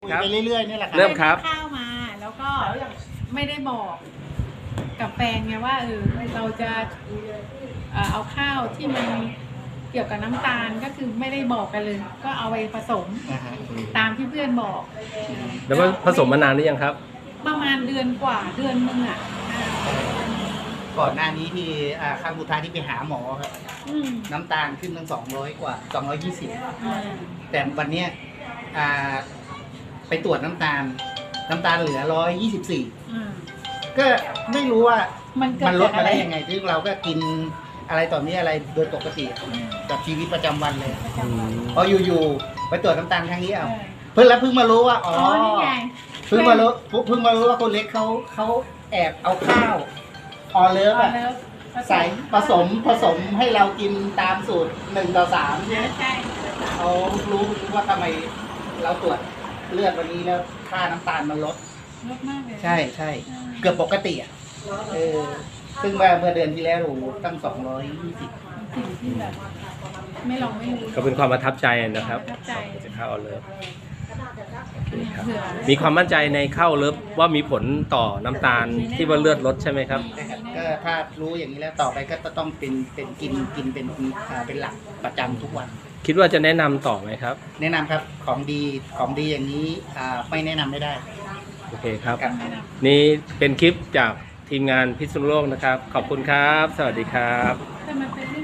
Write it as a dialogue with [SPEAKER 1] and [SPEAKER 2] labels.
[SPEAKER 1] คุยไปเรื่อยๆนี่แหละครับ
[SPEAKER 2] เริ่มครับ
[SPEAKER 3] ข้าวมาแล้วก็ไม่ได้บอกกับแฟนไงว่าเราจะเอาข้าวที่มันเกี่ยวกับน้ำตาลก็คือไม่ได้บอกกันเลย ก็เอาไปผสมตามที่เพื่อนบอก
[SPEAKER 2] แล้วว่าผสมมานานหรือยังครับ
[SPEAKER 3] ประมาณเดือนกว่าเดือนนึงอ่ะ
[SPEAKER 1] ก่อนหน้านี้ที่ครั้งสุดท้ายที่ไปหาหมอครับ
[SPEAKER 3] อืม
[SPEAKER 1] น้ำตาลขึ้นตั้ง200 กว่า 220
[SPEAKER 3] อ่า
[SPEAKER 1] แต่วันเนี้ยไปตรวจน้ำตาลเหลือ 124
[SPEAKER 3] อ่า
[SPEAKER 1] ก็ไม่รู้ว่า
[SPEAKER 3] มันเกิด
[SPEAKER 1] มันลด
[SPEAKER 3] จาก
[SPEAKER 1] มา
[SPEAKER 3] อะไร
[SPEAKER 1] ได้ยังไงซึ่งเราก็กินอะไรต่อมีอะไรโดยปกติกับชีวิตประจำวันเลย
[SPEAKER 3] ประจำวัน
[SPEAKER 1] พออยู่ๆไปตรวจน้ำตาลครั้งนี้เอา
[SPEAKER 3] เออ
[SPEAKER 1] เพิ่งมารู้ว่าอ๋อ
[SPEAKER 3] นี่ไง
[SPEAKER 1] เพิ่งมารู้ว่าคนเล็กเขาแอบเอาข้าวออเลิฟอะ
[SPEAKER 3] แล้ว
[SPEAKER 1] ใส่ผสมให้เรากินตามสูตร1:3
[SPEAKER 3] ใช่ใช่
[SPEAKER 1] เขารู้ว่าทำไมเราตรวจเลือดวันนี้แล้วค่าน้ำตาลมันลด
[SPEAKER 3] ลดมากเลย
[SPEAKER 1] ใช่ใช่เกือบปกติอ่ะซึ่งเมื่อเดือนที่แล้วโอ้โหตั้ง220
[SPEAKER 3] สิ่งที่แบบไม่ลองไม่รู้
[SPEAKER 2] ก็เป็นความประทับใจนะครับ
[SPEAKER 3] ประทับใจ
[SPEAKER 2] จากข้าวเลิฟ
[SPEAKER 3] เผื่อ
[SPEAKER 2] มีความมั่นใจในข้าวเลิฟว่ามีผลต่อน้ำตาลที่ว่าเลือดลดใช่ไหมครับ
[SPEAKER 1] นะครับก็ถ้ารู้อย่างนี้แล้วต่อไปก็ต้องเป็นกินเป็นหลักประจำทุกวัน
[SPEAKER 2] คิดว่าจะแนะนำต่อไหมครับ
[SPEAKER 1] แนะนำครับของดีอย่างนี้ไม่แนะนำไม่ได้
[SPEAKER 2] โอเคครับ
[SPEAKER 1] ครับ
[SPEAKER 2] นี่เป็นคลิปจากทีมงานพิษณุโลกนะครับ ขอบคุณครับ สวัสดีครับ
[SPEAKER 3] แต่มันเป็น